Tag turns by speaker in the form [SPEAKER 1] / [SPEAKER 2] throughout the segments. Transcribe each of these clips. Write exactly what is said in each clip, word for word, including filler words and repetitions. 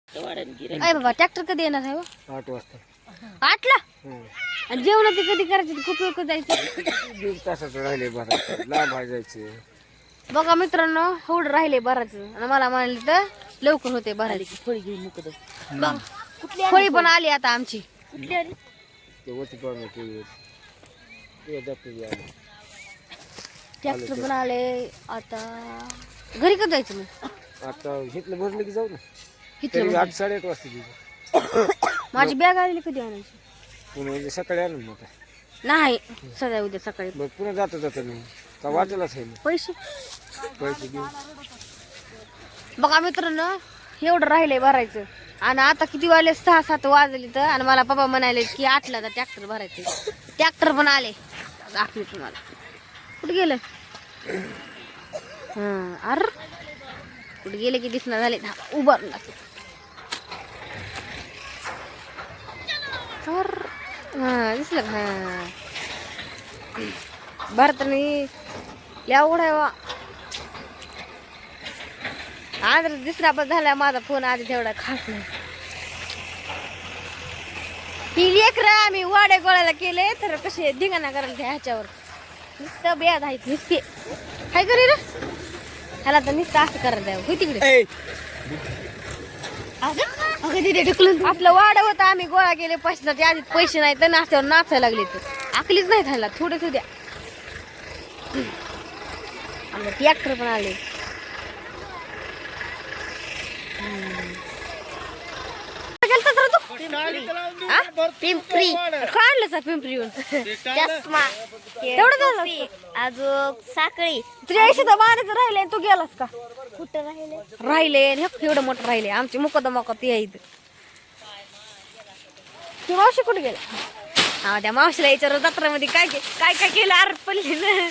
[SPEAKER 1] अय बाबा ट्रॅक्टर कधी येणार आहे हो?
[SPEAKER 2] आठ वाजता
[SPEAKER 1] आठला
[SPEAKER 2] हं.
[SPEAKER 1] आणि जेवण ते कधी करायचे ते खूप वेळ जायचं
[SPEAKER 2] दीड तासाचं राहिले बरं लांब आहे जायचे.
[SPEAKER 1] बघा मित्रांनो एवढं राहिले भरायचं आणि मला म्हणाले तर लवकर होते भरायची फळी घेऊन मुकत फळी पण आली आता आमची कुठली आली
[SPEAKER 2] ते वरती पाहून ते ते दाखवून आले.
[SPEAKER 1] ट्रॅक्टर पण आले आता घरी कधी जायचं मग
[SPEAKER 2] आता घेतलं भरलं की जाऊ ना.
[SPEAKER 1] इथलं
[SPEAKER 2] तरी
[SPEAKER 1] म्हणजे.
[SPEAKER 2] आठ साडेआठ वाजता तिथे
[SPEAKER 1] माझी बॅग आली कधी आणायची
[SPEAKER 2] पुन्हा म्हणजे सकाळी आणून मग काय.
[SPEAKER 1] नाही सध्या उद्या सकाळी
[SPEAKER 2] मग पुन्हा जाता जाता नाही का वाटेलाच आहे ना
[SPEAKER 1] पैसे
[SPEAKER 2] पैसे घेऊन.
[SPEAKER 1] बघा मित्रांनो एवढं राहिले भरायचं आणि आता किती वाजले सहा सात वाजले तर आणि मला पप्पा म्हणाले की आठला तर ट्रॅक्टर भरायचे ट्रॅक्टर पण आले दाखवे तुम्हाला कुठे गेलं हा अर कुठे गेले की दिसणार झाले उभारून लागले अर हा दिसलं का हा भरतानी एवढा आहे वा आज दुसरा पण झाला माझा फोन आधी तेवढा खास नाही ही लेकर आम्ही वाड्या गोळ्याला केले तर कसे धिंगाणा करायला त्या ह्याच्यावर नुसतं बेद आहेत नुसते काय करी रे ह्याला तर नुसतं असं करायला द्यावं होय तिकडे अगं तिथे ढकलून आपलं वाडा होता आम्ही गोळा केले पैशासाठी आधी पैसे नाही तर नाश्त्यावर नाचायला लागले तर आकलीच नाही खायला थोडे थोड्या आमचं ट्रॅक्टर पण आले पिंपरी काढलं पिंपरी चष्मा तेवढं अजून साखळी तुझ्या ऐंशीचा बाराचं राहिले तू गेलास का कुठं राहिले राहिले एवढं मोठं राहिले आमची मुकद मोकत यायचं ती मावशी कुठे गेला हा त्या मावशीला याच्यावर जत्रामध्ये काय काय काय केलं आर पडली ना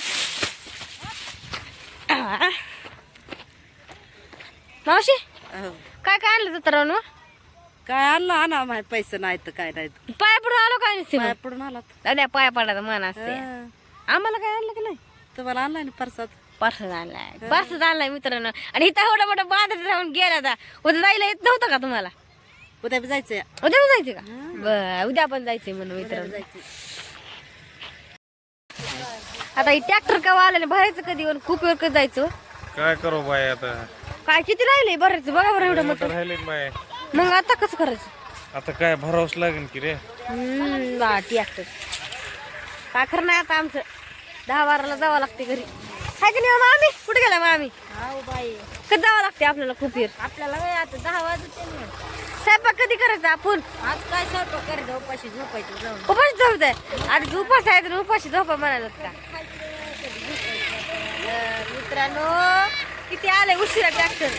[SPEAKER 1] मावशी काय काय आणलं जत्रावर
[SPEAKER 3] काय आणलं आणा माहित पैसे नाही तर काय नाही
[SPEAKER 1] पाया पडून आलो काय नसते
[SPEAKER 3] पाया पडून आला
[SPEAKER 1] दादा पाया पडायचं मन असते आम्हाला काय आणलं की नाही
[SPEAKER 3] तुम्हाला आणलाय ना परसात
[SPEAKER 1] पर्स आणलाय पर्स आणलाय मित्रांनो आणि इथं एवढा मोठा बांधत राहून गेला आता उद्या जायला येत नव्हतं का तुम्हाला
[SPEAKER 3] उद्या बी जायचंय
[SPEAKER 1] उद्या पण जायचं का बर उद्या पण जायचंय म्हणून मित्रांनो आता ही ट्रॅक्टर केव्हा आलं भरायचं कधी पण खूप वेळ कधी जायचं
[SPEAKER 4] काय करू बाय आता
[SPEAKER 1] काय किती राहिले भरायचं बघा बरं एवढं मोठं
[SPEAKER 4] राहिले बाय
[SPEAKER 1] मग आता कसं करायचं
[SPEAKER 4] आता काय भरावंच लागेल की रे
[SPEAKER 1] हम्म बा ट्रॅक्टर काय खरं नाही आता आमचं दहा बाराला जावं लागते घरी काय की नाही मामी कुठे गेला मामी
[SPEAKER 3] बाई
[SPEAKER 1] कधी जावं लागते आपल्याला खूप वेळ
[SPEAKER 3] आपल्याला आता दहा वाजते
[SPEAKER 1] स्वयंपाक कधी करायचा आपण
[SPEAKER 3] आज काय स्वयंपाक करायचं उपाशी झोपायचं जाऊन
[SPEAKER 1] उपाशी झोपताय आधी उपास आहे तर उपाशी झोपा म्हणाला का मित्रांनो किती आले उशिरा ट्रॅक्टर